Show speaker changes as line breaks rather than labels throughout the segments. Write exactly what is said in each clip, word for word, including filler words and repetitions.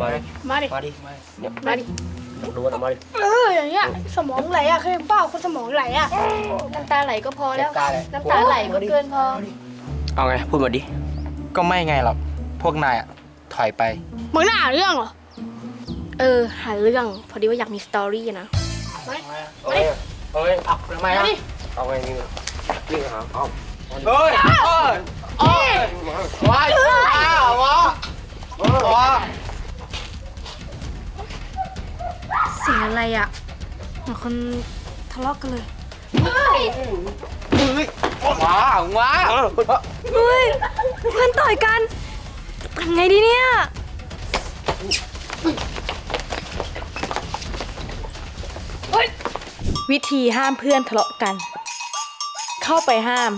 มาดิ
มาดิ
มาดิ
มาดิ
ดูนะมาดิ
เอออย่างเงี้ยสมองไหลอะเคยเปล่าคนสมองไหลอะน้ำตาไหลก็พอแล้วน้ำตาไหลก็เกินพอ
เอาไงพูดมาดิ
ก็ไม่ไงหรอกพวกนายอะถอยไป
มึงน่าหาเรื่องเหรอเออหาเรื่องพอดีว่าอยากมีสตอรี่นะมาดิ
เอาไงเอาไงเอาทำไมอ่ะเอาไงนี่วิ่งหาเอา
เฮ้ยเอ้ยเอ้ยว้ายว้าวว้าวว้าว
เสียงอะไรอะเหมือนคนทะเลาะกันเลย
ว้าวว้าว
เฮ้ยเพื่อนต่อยกันทำไงดีเนี่ยวิธีห้ามเพื่อนทะเลาะกัน เข้าไปห้าม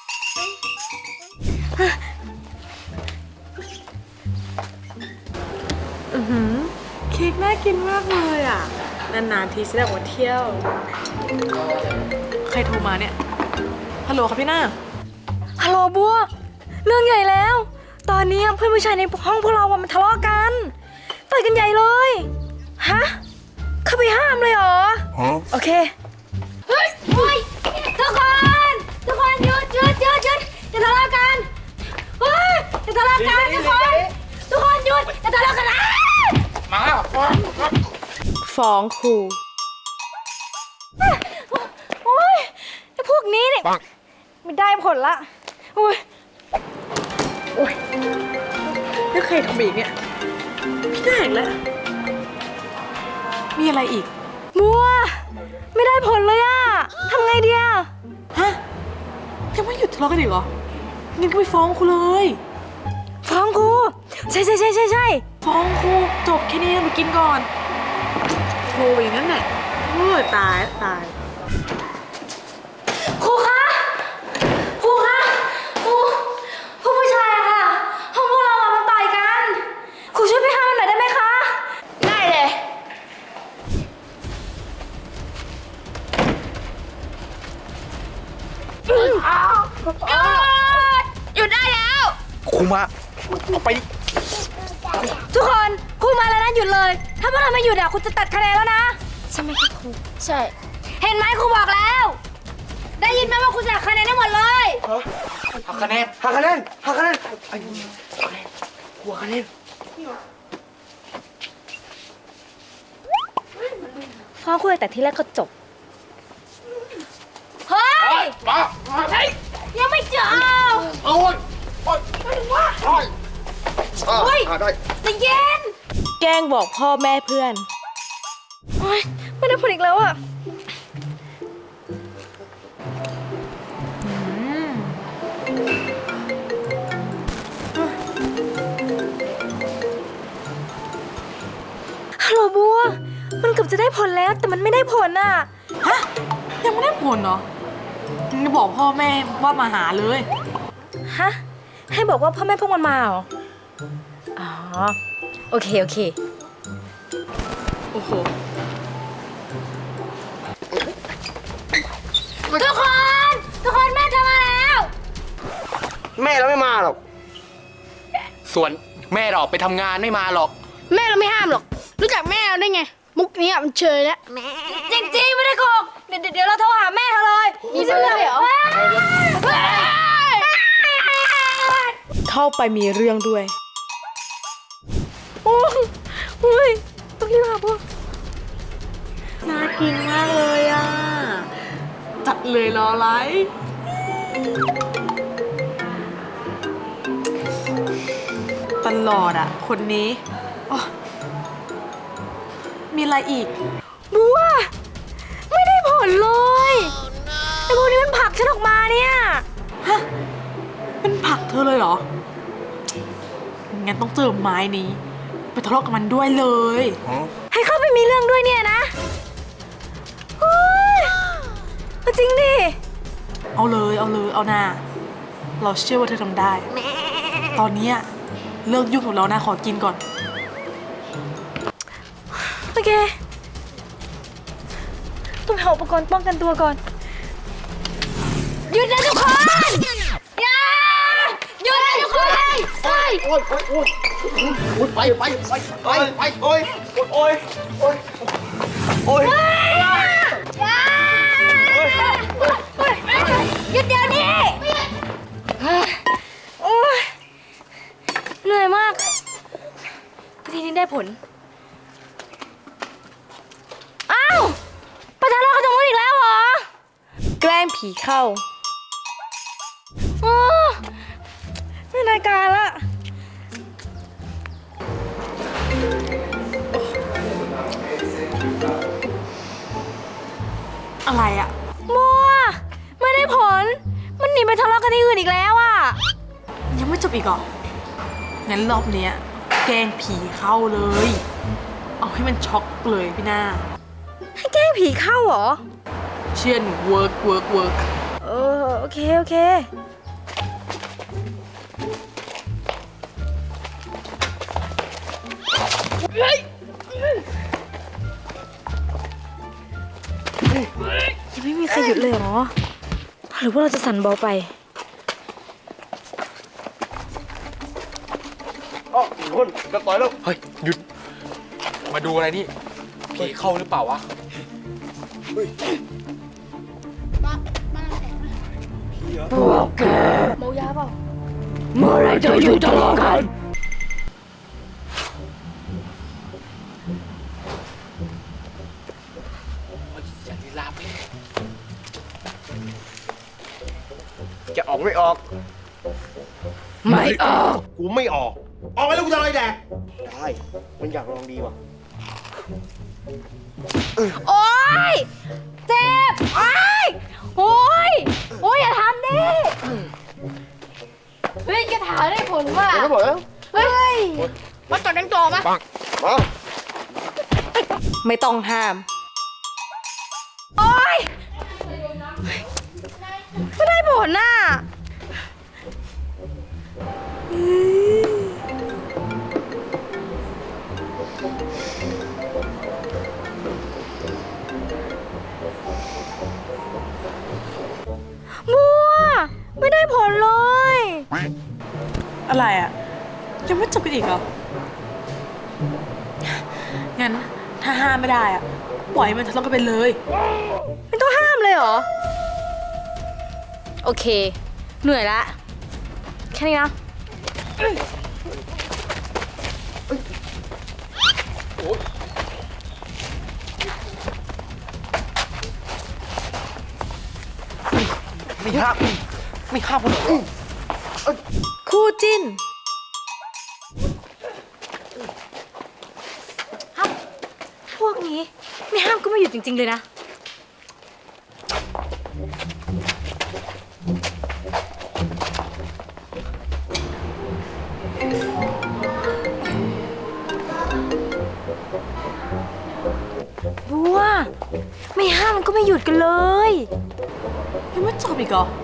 อือหือเค้กน่ากินมากเลยอ่ะนานๆทีฉันอยากมาเที่ยวใครโทรมาเนี่ยฮัลโหลครับพี่หน้า
ฮัลโหลบัวเรื่องใหญ่แล้ว ตอนนี้เพื่อนผู้ชายในห้องพวกเราอะมันทะเลาะกันต่อยกันใหญ่เลยฮะเข้าไปห้ามเลยเหรอโอเคเฮ้ยเฮ้ยทุกคนทุกคนหยุดหยุดหยุดหยุดอย่าทะเลาะกันเฮ้ยอย่าทะเลาะกันทุกคนทุกคนหยุดอย่าทะเลาะกันนะ
มา
ฟ้องครู
โอ้ยไอ้พวกนี้เนี่ยไม่ได้ผลละโอ้ย
โอ้ยแล้วใครทำอีกเนี่ยพี่หน้าอีกแล้วมีอะไรอีก
บัวไม่ได้ผลเลยอะทำไงดีอะ
ฮะยังไม่หยุดทะเลาะกันอีกเหรองั้นก็ไปฟ้องครูเลย
ฟ้องครูใช่ใช่ใช่ใช่ใช่
ฟ้องครูจบแค่นี้มากินก่อนครูอย่างนั้นแหละโอ้ยตายตาย
ครูคะครูคะครูผู้ผู้ชายอะค่ะห้องพวกเราอะมันต่อยกันครูช่วยไปห้ามมันหน่อยได้ไหมคะได้เลยหยุดได้แล้ว
ครูมาเอาไปดิ
ทุกคนครูมาแล้วนะหยุดเลย ถ้าพวกเราไม่หยุดอะครูจะตัดคะแนนแล้วนะใช่ไหมคะครูใช่เห็นไหมครูบอกแล้ว ได้ยินไหมว่าครูจะตัดคะแนนได้หมดเลย
หักคะแนน
หักคะแนนหักคะแนนไอ้หัวคะแนน
ฟ้องครูแต่ที่แรกก็จบเฮ้ย
มาเฮ้ย
ยังไม่จบ
โอ้ยโอ้ยโอ้ย
เฮ้ย
ได้
ใจะเย็น
แกล้งบอกพ่อแม่เพื่อน
โอ๊ยไม่ได้ผลอีกแล้วอะฮัลโหลบัว มันเกือบจะได้ผลแล้วแต่มันไม่ได้ผลอ่ะ
ฮะยังไม่ได้ผลเหรอมึงจะบอกพ่อแม่ว่ามาหาเลย
ฮะ ให้บอกว่าพ่อแม่พวกมันมาเหรอ อ๋อ โอเค โอเค
โอ้โห
ทุกคน ทุกคนแม่จะมาแล้ว
แม่เราไม่มาหรอก
ส่วนแม่เราออกไปทำงานไม่มาหรอก
แม่เราไม่ห้ามหรอก รู้จักแม่เราได้ไง มุกนี้มันเชยแล้วจริงๆไม่ได้โกหกเดี๋ยวเดี๋ยวเราโทรหาแม่เธอเลยมีเรื่องเหรอ
เข้าไปมีเรื่องด้วย
โอ้ยต้องรีบหาพวก
น่ากินมากเลยอ่ะ จัดเลยรออะไรตลอดอ่ะ คนนี้อ๋อมีอะไรอีก
บัวไม่ได้ผลเลยไอ้พวกนี้มันผลักฉันออกมาเนี่ย
ฮะ เป็นผักเธอเลยเหรอ งั้นต้องเจอไม้นี้ ไปทะเลาะกับมันด้วยเลย
ให้เข้าไปมีเรื่องด้วยเนี่ยนะโอ๊ยเอาจริงดิ
เอาเลยเอาเลยเอาหน้า เราเชื่อว่าเธอทำได้ ตอนนี้เลิกยุ่งกับเรานะขอกินก่อน
โอเคต้องหาอุปกรณ์ป้องกันตัวก่อนหยุดนะทุกคนอย่าหยุดนะทุก
โอ้ยโอ้ยโอ้ยโอ้ยโอ้ยไปไปไปไปไปโอ้ยโอ้ยโอ้ยโอ้ย
หยุดเดี๋ยวนี้โอ้ยเหนื่อยมากทีนี้ได้ผลอ้าวประธานเรากระจงมืออีกแล้วเหรอแกล้งผีเข้าอ๋อไม่รายการละ
อะไรอะ
มัวไม่ได้ผลมันหนีไปทะเลาะกันที่อื่นอีกแล้วอ่ะ
ยังไม่จบอีกเหรอ งั้นรอบเนี้ยแกล้งผีเข้าเลย เอาให้มันช็อกเลยพี่หน้า
ให้แกล้งผีเข้าเหรอ
เชื่อหนูเวิร์กเวิร์กเวิร์ก
เออโอเคโอเคยังไม่มีใครหยุดเลยเหรอหรือว่าเราจะสั่นเบาไป
อ๋อคุณจะต่อยแล้ว
เฮ้ยหยุดมาดูอะไรนี่ผีเข้าหรือเปล่าวะ
เมายาเปล่าเมื่อไรจะหยุดทะเลาะกัน
อย่าลีลาไป
จะออกไม่ออก
ไม่ออก
กูไม่ออก ออกไปแล้วกูจะอะไรแดกได้มันอยากลองดีว่ะ
โอ๊ยเจ็บโอ๊ยโอ๊ยโอ๊ยอย่าทำดิเฮ้ยกระถาได้ผลว่ะ
ผมไม่บอกแล้ว
เฮ้ยมาต่อกันต่อมา
มา
ไม่ต้องห้าม
โอ๊ยไม่ได้ผลน่ะบัวไม่ได้ผลเลย
อะไรอะยังไม่จบกันอีกเหรอ งั้นถ้าห้ามไม่ได้อะปล่อยให้มันทะเลาะกันไปเลย
ไม่ต้องห้ามเลยเหรอ โอเค เหนื่อยละแค่นี้นะ
ไม่ห้ามไม่ห้ามคนเหรอ
คู่จิ้น
พวกนี้ไม่ห้ามก็ไม่หยุดจริง ๆ เลยนะ บัว ไม่ห้ามมันก็ไม่หยุดกันเลย
ยังไม่จบอีกเหรอ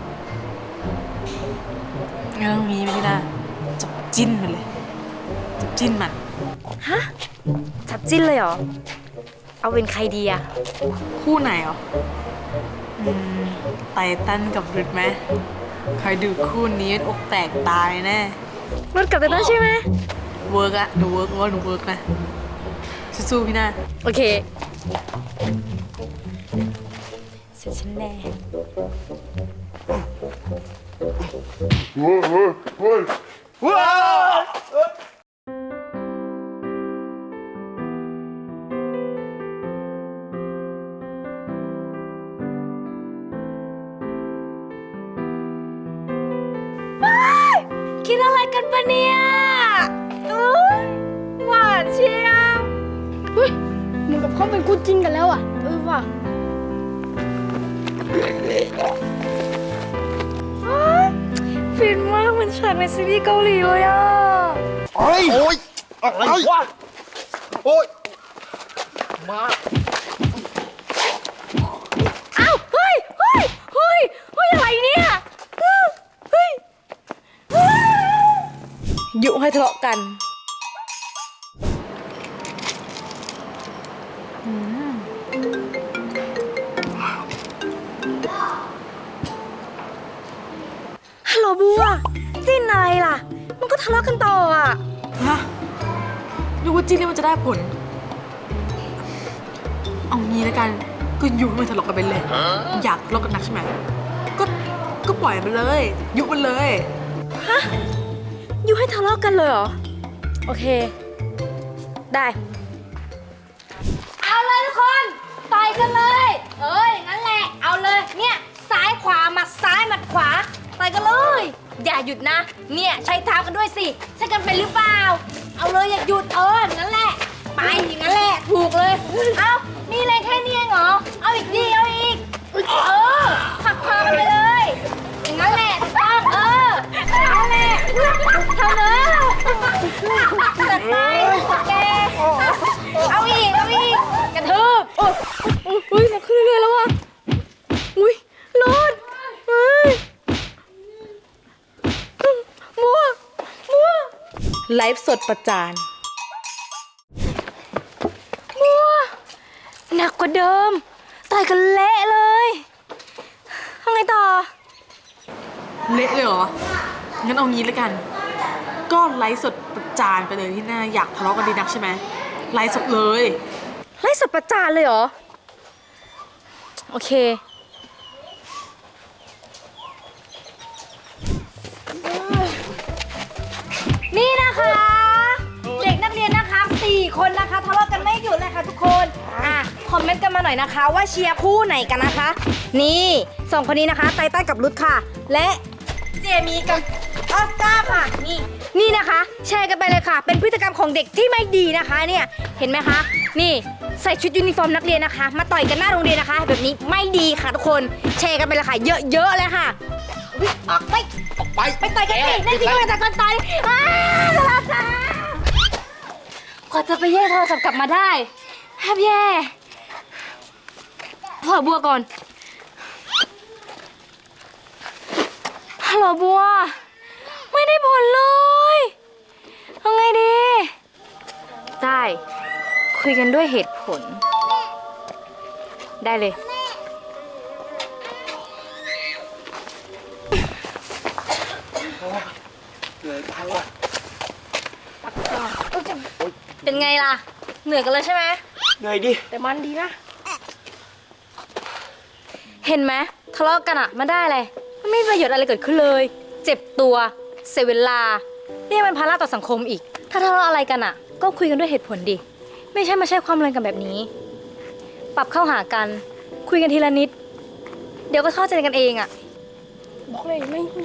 งั้นตรงนี้พี่นาจับจิ้นมันเลยจับจิ้นมัน
ฮะ จับจิ้นเลยเหรอ เอาเป็นใครดีอะ
คู่ไหนเหรอ อืม ไตตันกับรุดไหมใครดูคู่นี้อกแตกตายแน่
รถกลับแต่นั้นใช่ไหม
เวิร์กอะหนูเวิร์กว่าหนูเวิร์กนะ สู้ๆพี่นา
โอเค เสร็จฉันแน่
ว้าว
กินอะไรกันปะเนี่ยอุ๊ยหวานเชียวเฮ้ยเหมือนกับเขาเป็นคู่จิ้นกันแล้วอ่ะ เออว่ะอ๊ยฟินมากเหมือนฉากในซีรีส์เกาหลีเลยอ่ะ
โอ้ยโอ้ยอะไรวะโอ้ย
มา
อ้าวเฮ้ยเฮ้ยเฮ้ยเฮ้ยอะไรเนี่ยเฮ้ยเฮ้ย
ยุให้ทะเลาะกัน
ฮัลโหลบัวจิ้นอะไรล่ะมันก็ทะเลาะกันต่ออ่ะ
ฮะดูว่าจิ้นแล้วมันจะได้ผล เอางี้แล้วกัน ก็ยุให้มันทะเลาะกันไปเลย อยากทะเลาะกันนักใช่ไหม ก็ ก็ปล่อยมันเลย ยุมันเลย
อยู่ให้ทะเลาะกันเลยเหรอ โอเค ได้ เอาเลยทุกคนต่อยกันเลย เอ้ยงั้นแหละ เอาเลย เนี่ยซ้ายขวาหมัดซ้ายหมัดขวาต่อยกันเลย อย่าหยุดนะ เนี่ยใช้เท้ากันด้วยสิใช้กันเป็นหรือเปล่า เอาเลยอย่าหยุดเอองั้นแหละ ไปอย่างนั้นแหละถูกเลย เอานี่เลยแค่นี้เองเหรอ เอาอีกดีเอาอีก เออผักพากันไปเลย อย่างนั้นแหละถูกต้องเออเอาแหละทำเลยจัดไปแกเอาอีกเอาอีกกระทืบโอ้ยอุ้ยมาขึ้นเรื่อยๆแล้วอ่ะอุ้ยรอดเฮ้ยมัวมัว
ไลฟ์สดประจาน
มัวหนักกว่าเดิมต่อยกันเละเลยทำไงต่อ
เละเลยเหรอ งั้นเอางี้แล้วกัน ก็ไลฟ์สดประจานไปเลยที่หน้าอยากทะเลาะกันดีนักใช่ไหม ไลฟ์สดเลย
ไล่สดประจานเลยเหรอ โอเค นี่นะคะ เด็กนักเรียนนะคะสี่คนนะคะทะเลาะกันไม่หยุดเลยค่ะทุกคนอ่ะคอมเมนต์กันมาหน่อยนะคะว่าเชียร์คู่ไหนกันนะคะ นี่สองคนนี้นะคะไตตันกับรุทค่ะ และเจมี่กับออสการ์ค่ะนี่นี่นะคะ แชร์กันไปเลยค่ะ เป็นพฤติกรรมของเด็กที่ไม่ดีนะคะเนี่ยเห็นไหมคะนี่ใส่ชุดยูนิฟอร์มนักเรียนนะคะ มาต่อยกันหน้าโรงเรียนนะคะ แบบนี้ไม่ดีค่ะทุกคนแชร์กันไปเลยค่ะเยอะๆเลยค่ะอุ๊ยออกไป
ออกไป
ไปต่อยกันสินั่นสิก็ไปต่อยกันต่อยอ้าวโทรศัพท์กว่าจะไปแย่โทรศัพท์กลับมาได้แทบแย่ขอบัวก่อนฮัลโหลบัวไม่ได้ผลเลยทำไงดีได้คุยกันด้วยเหตุผลได้เลย
เหนื่อยไปว่ะ
เป็นไงล่ะเหนื่อยกันเลยใช่ไหม
เหนื่อยดิ
แต่มันดีนะเห็นไหมทะเลาะกันอะมันได้อะไรมันไม่มีประโยชน์อะไรเกิดขึ้นเลย เจ็บตัวเสียเวลานี่มันภาระต่อสังคมอีก ถ้าทะเลาะอะไรกันอะก็คุยกันด้วยเหตุผลดิไม่ใช่มาใช้ความแรงกันแบบนี้ ปรับเข้าหากันคุยกันทีละนิด เดี๋ยวก็เข้าใจกันเองอะบอกเลยไม่ไม่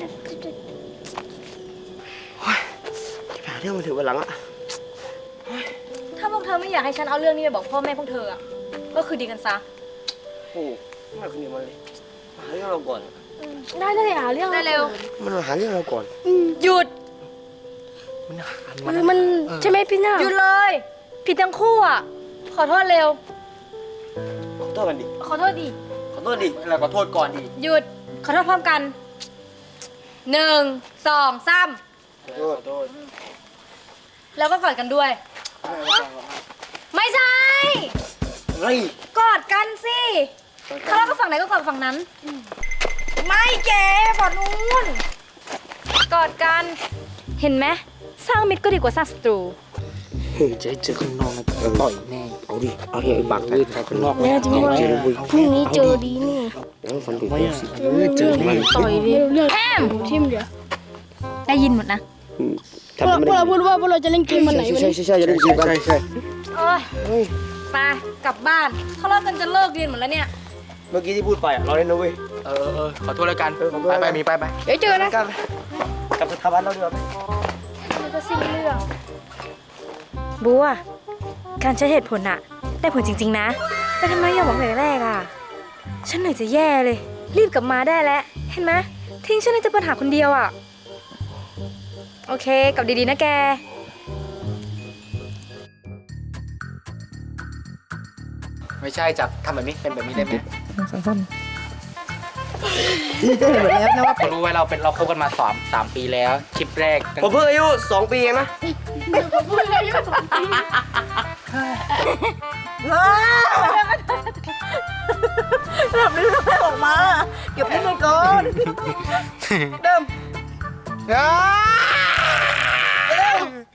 ที่ผ่านเรื่องมาถึงวันหลังอะ
ถ้าพวกเธอไม่อยากให้ฉันเอาเรื่องนี้ไปบอกพ่อแม่พวกเธออะก็คือดีกันซะ
โอ้ไม่เอาคนนี้มาเลยมาหาเรื่องเราก่อน
ได้ได้หาเรื่องได้เร็ว
มันมาหาเรื่องเราก่อน
หยุด
มันหา
คือมันใช่ไหมพี่น่าหยุดเลย ผิดทั้งคู่อ่ะ ขอโทษเร็ว
ขอโทษกันดิ
ขอโทษดิ
ขอโทษดิอะไรขอโทษก่อนดิ
หยุด ขอโทษพร้อมกันหนึ่งสองสาม
ขอโทษขอโทษ
แล้วก็กอดกันด้วย ไม่ใช่
เฮ้ย
กอดกันสิทะเลาะกับฝั่งไหนก็กอดฝั่งนั้น ไม่เก๋กอดนู้นกอดกัน เห็นไหมสร้างมิตรก็ดีกว่าสร้างศัตรู
เฮ้ยจะให้เจอข้างนอกนะต่อยแน่เอาดิเอาดิไอ้บักแต่ข้างนอก
แน่จริงด้วย
เจอเลย
พรุ่งนี้เจอดีนี่
แล้วฟันดูสิเจอเลย
ต่อยดิเรื่อง
แอม
ทิมเดี๋ยว
ได้ยินหมดนะ
พวกเราพูดว่าพวกเราจะเล่นเกมวันไหนวัน
ใช่
นี้
ใช่ใช่จะได้ยินกันใช่ใช่
โอ้ยไปกลับบ้านทะเลาะกันจะเลิกเรียนหมดแล้วเนี่ย
เมื่อกี้ที่พูดไปอ่ะเราเล่นนะเว้ย
เออเออขอโทษแล้วกัน
เออขอโทษ
ไปไปมีไปไป
เดี๋ยวเจอนะ
กันกับสถาบันเราเดือด
มันก็สิ้นเรื่องบัวการใช้เหตุผลอะได้ผลจริงๆนะแต่ทำไมอย่าบอกแต่แรกอะฉันเหนื่อยจะแย่เลย รีบกลับมาได้แล้ว เห็นไหมทิ้งฉันให้เจอปัญหาคนเดียวอะโอเคกลับดีๆนะแก
ไม่ใช่จับทำแบบนี้เป็นแบบนี้ได้ไหม
นี่จะเห็นแบบนี้นะว่า
เขารู้ไว้เราเป็นเราคบกันมาสามสามปีแล้วคลิปแรก
ผมเพิ่งอายุสองปีเองนะ
แบบนี้ไม่ออกมาเก็บให้มันก่อน
เฮ้